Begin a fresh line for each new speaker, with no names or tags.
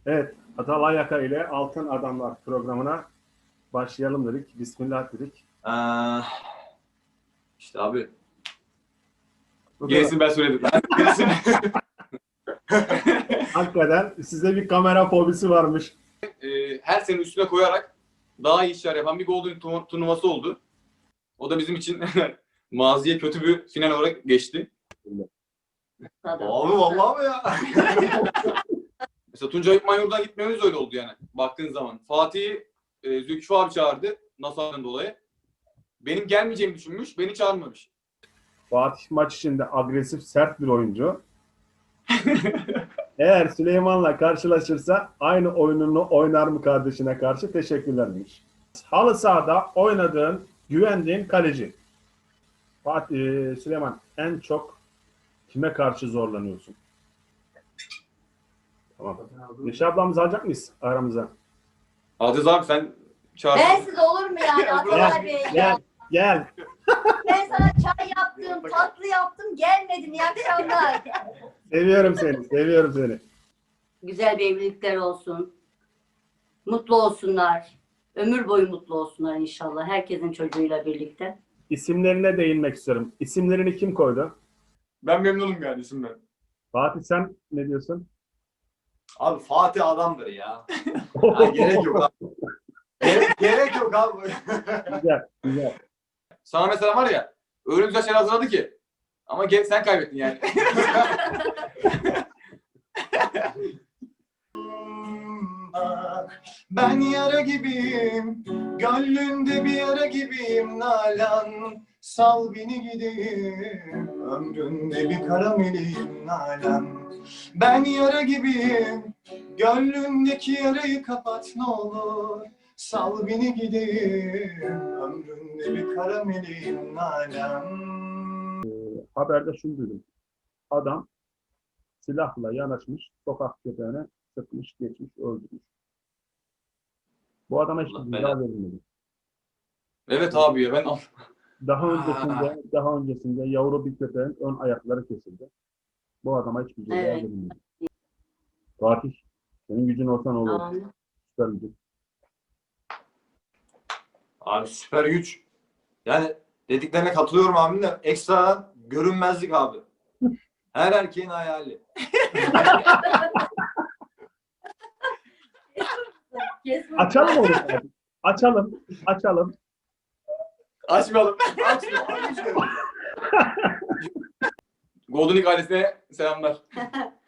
Evet, Atalay Yaka ile Altın Adamlar programına başlayalım dedik. Bismillah dedik.
İşte abi.
Bu
Gerisini ben söyledim. Gerisini.
Hakikaten size bir kamera fobisi varmış.
Her sene üstüne koyarak daha iyi işler yapan bir Golden turnuvası oldu. O da bizim için maziye kötü bir final olarak geçti.
Tabii.
Abi vallahi mi ya? Mesela Tuncay Manyur'dan gitmemiz öyle oldu yani. Baktığın zaman. Fatih'i Zülküf abi çağırdı. NASA'dan dolayı. Benim gelmeyeceğimi düşünmüş. Beni çağırmamış.
Fatih maç içinde agresif, sert bir oyuncu. Eğer Süleyman'la karşılaşırsa aynı oyununu oynar mı kardeşine karşı? Teşekkürler demiş. Halı sahada oynadığın, güvendiğin kaleci. Fatih, Süleyman en çok kime karşı zorlanıyorsun? Tamam. Neşe ablamızı alacak mıyız aramıza?
Aziz abi sen çağır.
Bensiz olur mu yani Atalay Bey ya?
Gel.
Ben sana çay yaptım, tatlı yaptım, gelmedin. İyi akşamlar.
Seviyorum seni.
Güzel bir evlilikler olsun. Mutlu olsunlar. Ömür boyu mutlu olsunlar inşallah. Herkesin çocuğuyla birlikte.
İsimlerine değinmek istiyorum. İsimlerini kim koydu?
Ben memnunum yani isimden.
Fatih sen ne diyorsun?
Abi Fatih adamdır ya. Ha, gerek yok abi. Gerek yok abi.
Güzel.
Sana mesela var ya öyle güzel şeyler hazırladı ki. Ama sen kaybettin yani.
Ben yara gibiyim, gönlünde bir yara gibiyim Nalan. Sal beni gideyim, ömründe bir kara meleğim Nalan. Ben yara gibiyim, gönlündeki yarayı kapat ne olur. Sal beni gideyim, ömründe bir kara meleğim Nalan.
Haberde şunu duydum. Adam silahla yanaşmış, sokak köpeğine sıkmış, geçmiş, öldürmüş. Bu adama hiç
Allah
ceza
belanı.
verilmedi.
Evet abi ya ben
Daha öncesinde yavru bir köpeğin ön ayakları kesildi. Bu adama hiçbir ceza
Evet.
verilmedi. Fatih, senin gücün olsa ne olur?
Tamam.
Süper gücün.
Abi süper güç. Yani dediklerine katılıyorum abim de ekstradan görünmezlik abi. Her erkeğin hayali.
Kesin.
Açalım onu Fatih. Açalım.
açmayalım.
Açma.
Golden League ailesine selamlar.